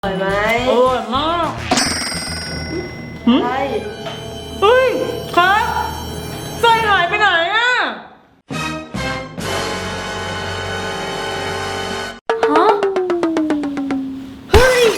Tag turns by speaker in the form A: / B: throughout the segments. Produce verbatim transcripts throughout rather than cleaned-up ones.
A: อร่อยไหม
B: อร่อยมาก
A: ใช่
B: เฮ้ยครับไส้หายไปไหนอ่ะ
A: ฮะเฮ้ย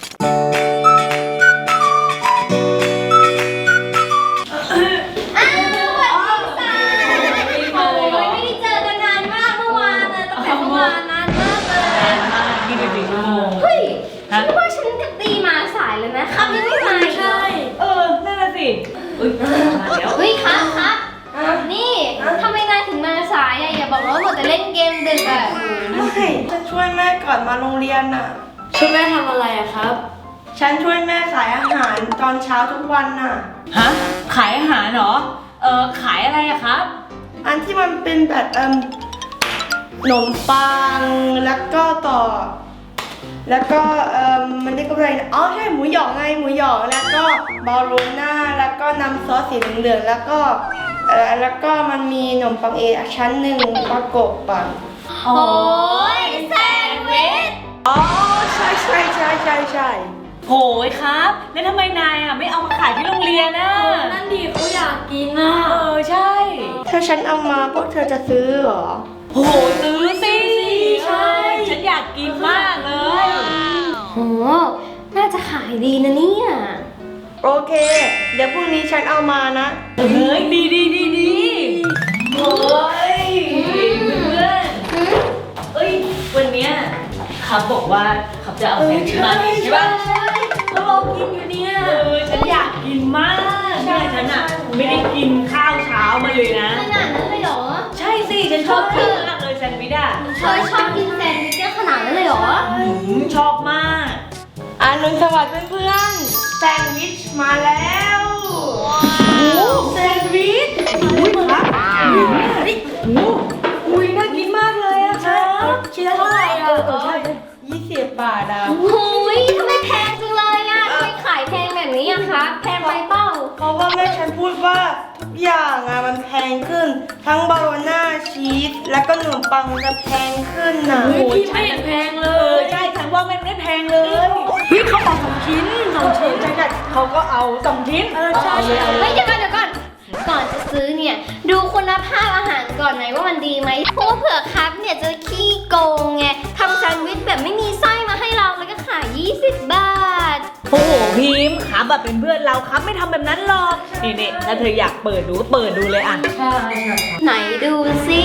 C: อ้าวสวัสดีค่ะโอ้ยไม่ได้เจอกันนานมากเมื่อวานนะตั้งแต่เมื่อวานนานมากเลย
B: ยี่สิบสี่ชั่วโมง
C: เฮ้ยฉันว่าฉันกับตีมาสายเลยนะครับยังไม่มาอีกเหรอ
B: เออนั่นน่ะสิเอ้ยมาแล้ว
C: เฮ้ยครับครับนี่ทำไมนายถึงมาสายอะอย่าบอกว่าหมดแต่เล่นเกมดึกอะ
A: ไม่ฉันช่วยแม่ก่อนมาโรงเรียนน่ะ
D: ช่วยแม่ทำอะไรอะครับ
A: ฉันช่วยแม่ขายอาหารตอนเช้าทุกวันน่ะ
B: ฮะขายอาหารเหรอเออขายอะไรอะครับ
A: อันที่มันเป็นแบบเอ่มขนมปังแล้วก็ต่อ แล้วก็เอ่มมันเรียกว่าอะไรนะอ๋อใช่หมูหยองไงหมูหยองแล้วก็บาโลน่าแล้วก็น้ำซอสสีเหลืองๆแล้วก็เอ่อแล้วก็มันมีขนมปังเอชั้นหนึ่งประกบปัง
C: โอ้ยแซนด์วิช
A: อ๋อใช่ใช่ใช่ใช่ใช่
B: โหยครับแล้วทำไมนายอ่ะไม่เอามาขายที่โรงเรียนน่ะ
D: นั่นดิเขาอยากกินอะ
B: เออใช่
A: ถ้าฉันเอามาพวกเธอจะซื้อเหรอ
B: โหซื้อสิใช่ฉันอยากกินมากเลย
C: โหน่าจะขายดีนะเนี่ย
A: โอเค เดี๋ยวพรุ่งนี้ฉันเอามานะ
B: เฮ้ยดีดีดีดีโอ้ยเพื่อนเอ้ยวันเนี้ยครับบอกว่าครับจะเอาแซนด์วิชมาใช่ปะ
D: ก็รอกินอยู่เนี่ย
B: เออฉันอยากกินมากใช่ฉันอ่ะไม่ได้กินข้าวเช้ามาเลยนะ
C: ขนาดนั้นเลยเหรอ
B: ใช่สิฉันชอบกินมากเลยแซนด์วิชอ่ะ
C: เธอชอบกินแซนด์วิชเยอะขนาดนั้นเลยเหรอ
B: อืมชอบมาก
A: อานุนสวัสดิ์เพื่อนๆแซนด์วิชมาแล้ว
B: โอ้แซนด์วิชอุ้ยครับอุ้ยนี่โอ้อุ้ยน่ากินมากเลยอะครับชิ้นละเท่าไหร่อะเออใช่
A: ยี่สิบบาทอ่ะ
C: โอ้ยทำไมแพงจังเลยอ่ะทำไมขายแพงแบบนี้อะคะ แพงไปเปล่า
A: เพราะว่าแม่ฉันพูดว่าทุกอย่างอ่ะมันแพงขึ้น ทั้งบาโลน่าชีสแล้วก็ขนมปังมันจะแพงขึ้นน่ะ
B: โอ้ยไม่เห็นแพงเลยใช่ฉันว่ามันไม่แพงเลยเฮ้ยเขาบอกสองชิ้นสองชิ้นใช่ใช่เขาก็เอาสองชิ้นเออใช่ใช่
C: เฮ้ยเดี๋ยวก่อนเดี๋ยวก่อน ก่อนจะซื้อเนี่ย ดูคุณภาพอาหารก่อนไหนว่ามันดีไหมเพราะว่าเผื่อครับเนี่ยจะขี้โกงไงทำแซนด์วิชแบบไม่มีไส้มาให้เราแล้วก็ขายยี่สิบบาท
B: โอ้โหพิมพ์ครับแบบเป็นเพื่อนเราครับไม่ทำแบบนั้นหรอกนี่นี่ถ้าเธออยากเปิดดูก็เปิดดูเลยอ่ะ
D: ใช่
C: ไหนดูสิ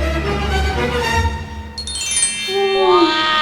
C: ว้าว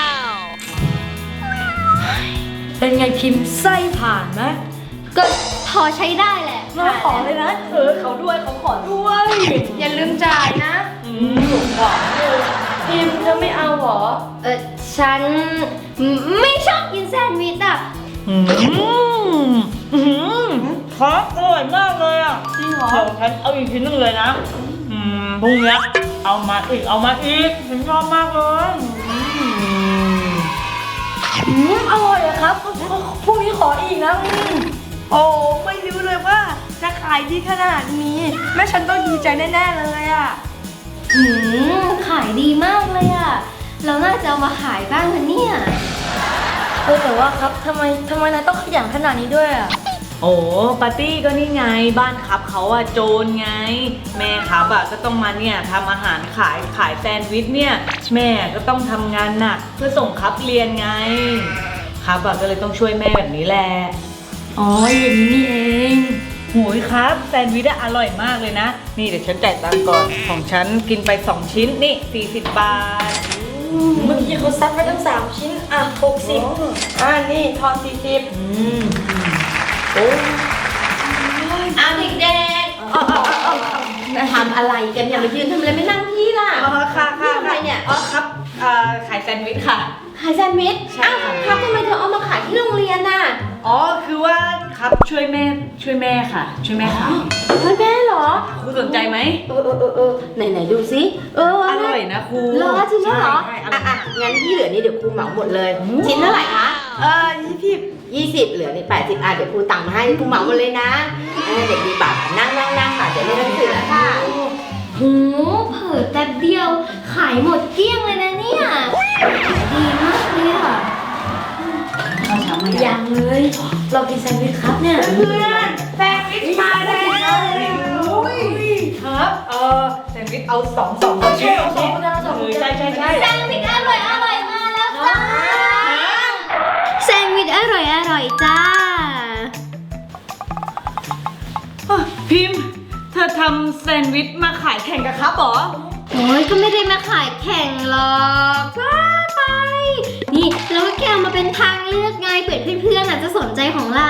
D: เป็นไงพิมพ์ไส้ผ่านไหม
C: ก็พอใช้ได้แหละ
B: มาขอเลยนะเออเขาด้วยเขาขอด้วย
A: อย่าลืมจ่ายนะ
B: อืมถูกต้อง
A: พิมพ์เธอไม่เอาเหรอ
C: เออฉันไม่ชอบกินแซนด์วิชอ่ะ
B: อืมอืมครับอร่อยมากเลยอ่ะ
A: จริงเหรอ
B: เดี๋ยวฉันเอาอีกชิ้นหนึงเลยนะอืมพรุ่งนี้เอามาอีกเอามาอีกฉันชอบมากเลยอืม
D: อืมอร่อยอะครับพรุ่งนี้ขออีกนะอืม
A: โอ้ไม่รู้เลยว่าจะขายดีขนาดนี้ แม่ฉันต้องดีใจแน่ๆเลยอ่ะ
C: หืมขายดีมากเลยอ่ะ เราน่าจะเอามาขายบ้างนะเนี่ย
D: เออแต่ว่าครับทำไมทำไมนายต้องขยันขนาดนี้ด้วยอะ
B: โอ้ปาร์ตี้ก็นี่ไงบ้านครับเขาอะโจรไง แม่ครับอะก็ต้องมาเนี่ยทำอาหารขายขายแซนด์วิชเนี่ยแม่ก็ต้องทำงานหนักเพื่อส่งครับเรียนไงครับอะก็เลยต้องช่วยแม่แบบนี้แหละ
D: อ๋ออย่างนี้นี่เอง
B: โหยครับแซนด์วิชอะอร่อยมากเลยนะ นี่เดี๋ยวฉันจ่ายตังค์ก่อนของฉันกินไปสองชิ้นนี่สี่สิบบาท
D: เมื่อกี้เขาซัดไปตั้งสามชิ้นอ่ะหกสิบ
A: อ่านี่ทอนสี่สิบ
B: อืม
A: โอ้
C: เอาเด็กๆทำอะไรกันอย่ามายืนทำอะไรไม่นั่งที่ล่ะ
B: อ๋อค่ะค่ะ
C: ทำอะไรเนี่ย
B: อ๋อครับเอ่อขายแซนด์วิชค่ะ
C: ขายแซนด์วิช
B: ใช่
C: อ้าว
B: ค่ะ
C: ครับทำไมเธอเอามาขายที่โรงเรียนน่ะ
B: อ๋อคือว่าครับช่วยแม่ช่วยแม่ค่ะ ช่วยแม่ค่ะ
C: เฮ้ยแม่เหรอ
B: ครูสนใจไหม
C: เออเออเออเออไหนไหนดูสิเออ
B: อร่อยนะครู
C: เหรอจริงเหรอ
B: ใช่ใช่อร่
C: อ่ะ
B: อย
C: อ่ะ
B: มาก
C: งั้นที่เหลือนี่เดี๋ยวครูเหมาหมดเลย ชิ้นเท่าไหร่คะ
A: เออยี่สิบ
C: ยี่สิบเหลือนี่แปดสิบอ่ะเดี๋ยวครูตังค์มาให้ครูเหมาหมดเลยนะเออเด็กดีบาทนั่งนั่งนั่งค่ะเดี๋ยวไม่ต้องเสือค่ะโหเผิ่แป๊บเดียวขายหมดเกลี้ยงเลยนะเนี่ยขายดีมากเลยอ่ะ
B: ข้าวเช้ามายั
D: ยัง งเลย เรากินแซนด์วิชครับเนี่ย
A: เพื่อนแซนด์วิชมาแล้ว
B: ครับเออแซนด์วิชเอาสองสองคนชิ้นสองคนสองคนใช่ใช่ใช่
C: แซนด์วิชอร่อยอร่อยมาแล้วจ้าแซนด์วิชอร่อยอร่อยจ้า
B: พิมพ์เธอทำแซนด์วิชมาขายแข่งกับครับเหรอ
C: โอ้ยก็ไม่ได้มาขายแข่งหรอกว่าไป นี่เราก็แค่เอามาเป็นทางเลือกไงเผื่อเพื่อนๆอาจจะสนใจของเรา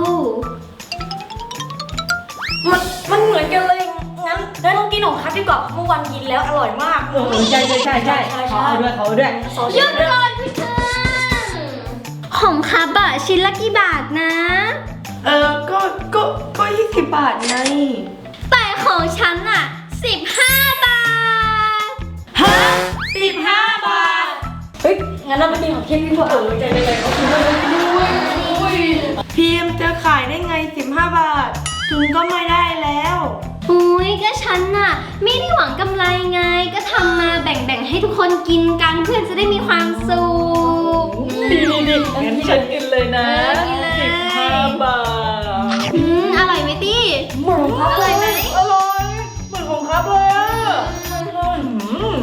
D: มันมันเหมือนกันเลย งั้นเฮ้ยต้องกินของคัทดีกว่าเมื่อวันกินแล้วอร่อยมาก
B: เออใช่ใช่ใช่ใช่เขาเอาด้วยเขาเอาด้วย
D: ซอส
C: หยุดก่อนเพื่อนของคาบะชิ้นละกี่บาทนะ
A: เออก็ก็ก็ยี่สิบบาทไง
C: แต่ของฉันอะสิบห้าบาท
B: ฮะสิบห้าบาท
D: เฮ้ย งั้นเราไปกินของเค้กดีกว่าเออใจใจเขาคือด้วยด้วย
A: พิมพ์จะขายได้ไงสิบห้าบาท ถึงก็ไม่ได้แล้ว
C: อุ้ยก็ฉันน่ะไม่ได้หวังกำไรไง ก็ทำมาแบ่งๆให้ทุกคนกินกันเพื่อนจะได้มีความสุข
B: ดีดีดีงั้นฉันกินเลยนะ
C: เออกินเลย
B: สิบห้าบาท
C: อืมอร่อยไหมตี้
D: เหมือนครับ
C: อร่อยไหม
B: อร่อยเหมือนของครับเลยอ่ะอืม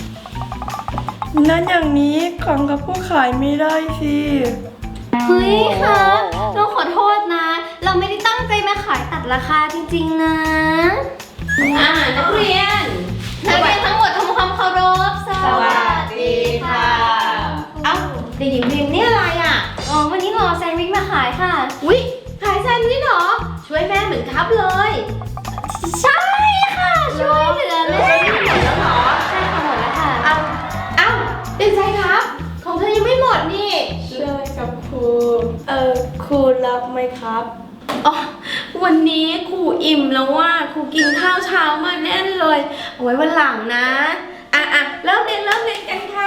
A: นั้นอย่างนี้ของกับผู้ขายไม่ได้สิ
C: เฮ้ยค่ะเราขอโทษนะ เราไม่ได้ตั้งใจมาขายตัดราคาจริงๆนะอ่านักเรียนนักเรียนทั้งหมดทำความเคารพสวัสดีค่ะเอ้าเด็กหญิงพิมพ์นี่อะไรอ่ะอ๋อวันนี้หรอแซนด์วิชมาขายค่ะอุ๊ยขายแซนด์วิชเหรอช่วยแม่เหมือนครับเลย ใช่ค่ะช่วยเหลือแม่หมดแล้วเหรอใช่ค่ะหมดแล้วค่ะเอ้าเอ้าเป็นไงครับ ของเธอยังไม่หมดนี่
A: ใช่กับครู เออครูรับไหมครับ
E: อ๋อวันนี้ครูอิ่มแล้วว่าครูกินข้าวเช้ามาแน่นเลย เอาไว้วันหลังนะ อ่ะอ่ะเริ่มเรียนเริ่มเรียนกันค่ะ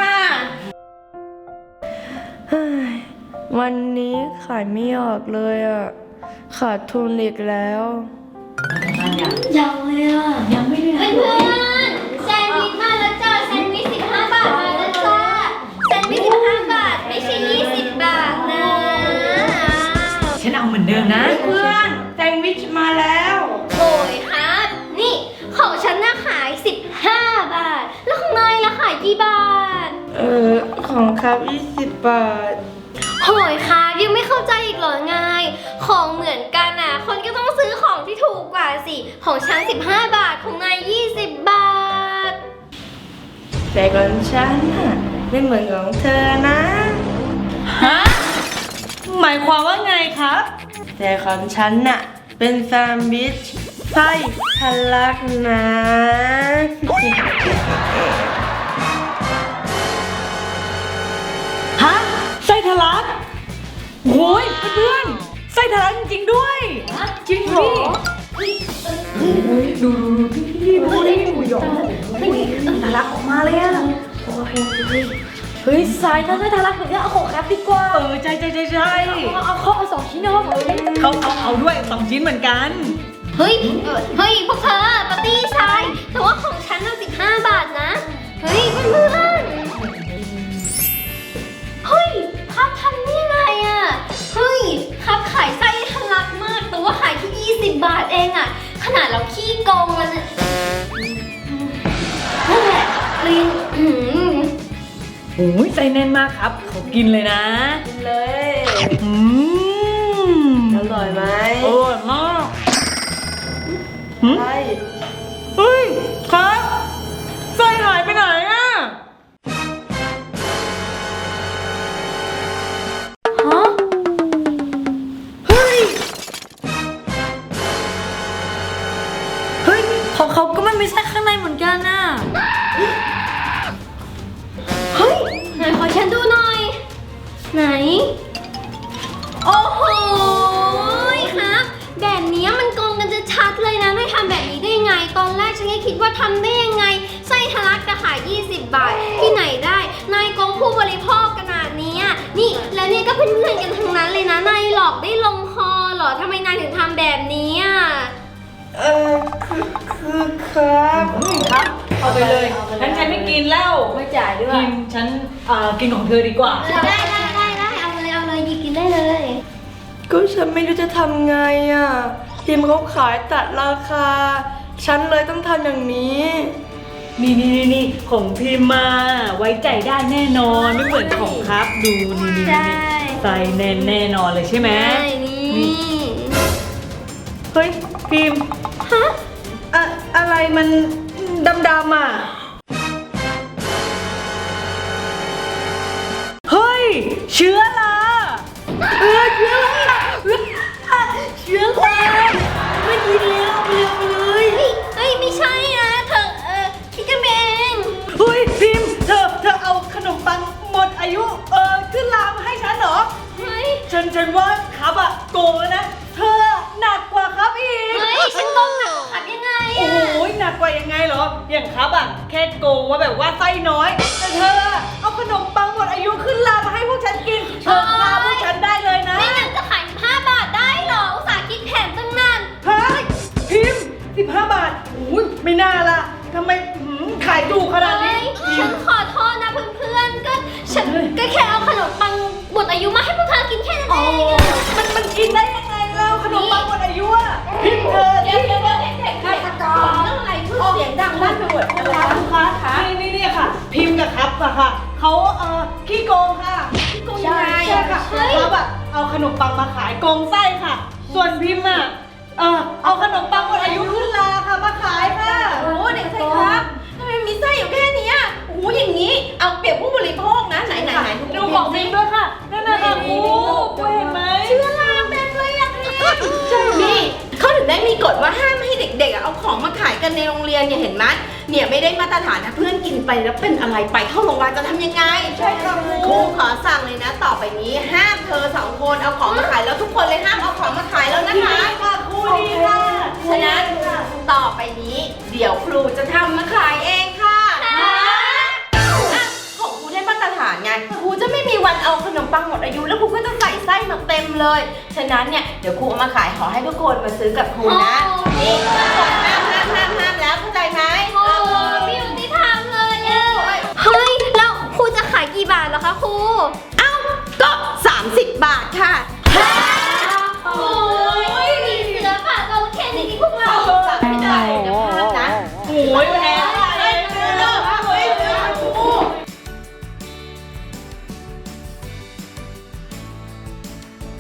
A: เฮ้ยวันนี้ขายไม่ออกเลยอ่ะ ขาดทุนอีกแล้ว
C: ยังเลยอ่ะยังไม่ได้เพื่อนๆแซนด์วิชมาแล้วจ้าแซนด์วิชสิบห้าบาทมาแล้วจ้าแซนด์วิชสิบห้าบาทไม่ใช่ยี่สิบบาทนะ
B: ฉันเอาเหมือนเดิมนะ
A: เพื่อนแซนด์วิชมาแล้ว
C: โอ้ยครับ นี่ของฉันน่ะขายสิบห้าบาท แล้วของนายล่ะขายกี่บาท
A: เออของครับยี่สิบบาท
C: โหยค่ะยังไม่เข้าใจอีกเหรอไง ของเหมือนกันอ่ะ คนก็ต้องซื้อของที่ถูกกว่าสิ ของฉันสิบห้าบาท ของนายยี่สิบบาท
A: แต่ของฉันน่ะไม่เหมือนของเธอนะ
B: ฮะ หมายความว่าไงครับ
A: แต่ของฉันน่ะเป็นแซนด์วิชไส้ทะลักนะ
B: ฮะ ไส้ทะลักโอ้ยเพื่อนๆไส้ทะลักจริงๆด้วยจริงเหรอดูดูดิหมูหยองทะลักออกมาเลยอ่ะ
D: เฮ้ยสายถ้าไม่ทารักเหมือนกันเอาของคัทดีกว่า
B: เออใช่ใช่ใช่ใช่
D: เอาเอาเขาเอาสองชิ้นเอาสองชิ้น
B: เขาเขาเอาด้วยสองชิ้นเหมือนกัน
C: เฮ้ยเอ่อเฮ้ย พวกเธอปาร์ตี้ชาย แต่ว่าของฉันน่ะสิบห้าบาทนะ เฮ้ยเพื่อนๆเฮ้ยครับทำนี่ไงอ่ะ เฮ้ยครับขายไส้ทะลักมาก แต่ว่าขายแค่ยี่สิบบาทเองอ่ะ ขนาดเราขี้โกงมันอะนั่นแหละเรียนอืม
B: โอ้ยใจแน่นมากครับ เขากินเลยนะ
A: กินเลย
B: อืม
A: อร่อยไหม
B: อร่อยมากหืม
A: ใช่
B: เฮ้ยครับไส้หายไปไหนอ่ะ
C: ฮะ
B: เฮ้ย
D: เฮ้ยของเขาก็ไม่มีไส้ข้างในเหมือนกันน่ะ
C: เฮ้ย ไหนขอฉันดูหน่อย ไหน โอ้โหครับ แบบนี้มันโกงกันจะชัดเลยนะนายทำแบบนี้ได้ยังไง ตอนแรกฉันก็คิดว่าทำได้ยังไง ไส้ทะลักจะขายยี่สิบบาท ที่ไหนได้ นายโกงผู้บริโภคขนาดนี้อะนี่ แล้วเนี่ยก็เพื่อนๆกันทั้งนั้นเลยนะ นายหลอกได้ลงคอเหรอทำไมนายถึงทำแบบนี้อ่ะ
A: เออคือคือครับ
B: ครับ เอาไปเลยงั้นฉันไม่กินแล้ว
D: ไม่จ่ายด้วย
B: กินฉันเอ่อกินของเธอดีกว่า
C: ได้ได้ได้ได้เอาเลยเอาเลยหยิบกินได้เลย
A: ก็ฉันไม่รู้จะทำไงอ่ะพิมพ์เขาขายตัดราคา ฉันเลยต้องทำอย่างนี้
B: นี่นี่นี่นี่ของพิมพ์มาไว้ใจได้แน่นอนไม่เหมือนของครับดูนี่นี่
C: ใช่
B: นี่ใส่แน่นแน่นอนเลยใช่ไหม
C: ใช่นี่
B: เฮ้ยพิมพ์
C: ฮะ
B: อะอะไรมันดำๆอ่ะเฮ้ยเชื้อราเออเชื้อราเชื้อราไม่ดีแล้วเร็วเลย
C: เฮ้ยเฮ้ยไม่ใช่นะเธอเออคิดกันเอง
B: เฮ้ยพิมพ์เธอเธอเอาขนมปังหมดอายุเออขึ้นลามาให้ฉันเหรอ
C: เฮ้ย
B: ฉันฉันว่าครับอะโกงแล้วนะเธอหนักกว่าครับอีก
C: เฮ้ยฉันต้องหนักขับยังไง
B: โอ้
C: อะ
B: โหหนักกว่ายังไงเหรออย่างครับอะแค่โกงว่าแบบว่าไส้น้อยแต่เธอเอาขนมปังหมดอายุขึ้นลามาให้พวกฉันกินเธอฆ่าพวกฉันได้เลยนะ
C: ไม่งั้นจะขายห้าบาทได้เหรออุตส่าห์คิดแผนตั้งนาน
B: ฮะพิมพ์สิบห้าบาทอุ้ยไม่น่าละทำไมหืมขายถูกขนาดนี้
C: เฮ้ยฉันขอโทษนะเพื่อนๆก็ฉันก็แค่เอาขนมปังหมดอายุมาให้พวกเธอกินแค่นั้น
B: โอ้
C: เอง
B: มันมันกินได้ยังไงเราขนมปังหมดอายุอะพิมพ์เธอ
E: เดี๋ยวเดี๋ยวเดี๋ยวเด็กๆฆาตกรเรื่องอะไรพูดเสียงดังลั่นไปหมดเลย
B: ลูกค้าคะนี่นี่นี่ค่ะ พิมพ์กับครับอะค่ะเขาเอ่อขี้โกงค่ะ
E: โกงยังไง
B: ใช่ค่ะครับอะเอาขนมปังมาขายโกงไส้ค่ะ ส่วนพิมพ์อะเออเอาขนมปังหมดอายุขึ้นลาค่ะมาขายค่ะ
E: โอ้เด็กชายครับทำไมมีไส้อยู่แค่เนี้ยโอ้โหอย่างนี้ เอาเปรียบผู้บริโภคนะไหนไหนไหน
B: ดูของพิมพ์ด้วยค่ะนั่นน่ะค่ะโอ้เห็นไหม
E: เชื้อราเต็มเลยอะพี่ใช่นี่เขาถึงได้มีกฎว่าห้ามให้เด็กๆอะเอาของมาขายกันในโรงเรียนเนี่ยเห็นไหมเนี่ยไม่ได้มาตรฐานนะเพื่อนกินไปแล้วเป็นอะไรไปเข้าโรงพยาบาลจะทำยังไง
B: ใช่ค่ะค
E: ค
B: รู
E: รูขอสั่งเลยนะต่อไปนี้ห้ามเธอสองคนเอาของมาขายแล้วทุกคนเลยห้ามเอาของมาขายแล้วนะคะ
B: ค่ะครูดีค่ะ
E: ฉะนั้นต่อไปนี้ เดี๋ยวครูจะทำมาขายเองค่ะอ่ะของครูได้มาตรฐานไงครูจะไม่มีวันเอาขนมปังหมดอายุแล้วครูก็จะใส่ไส้มาเต็มเลยฉะนั้นเนี่ยเดี๋ยวครูเอามาขายขอให้ทุกคนมาซื้อกับครูนะนี่ส่งไป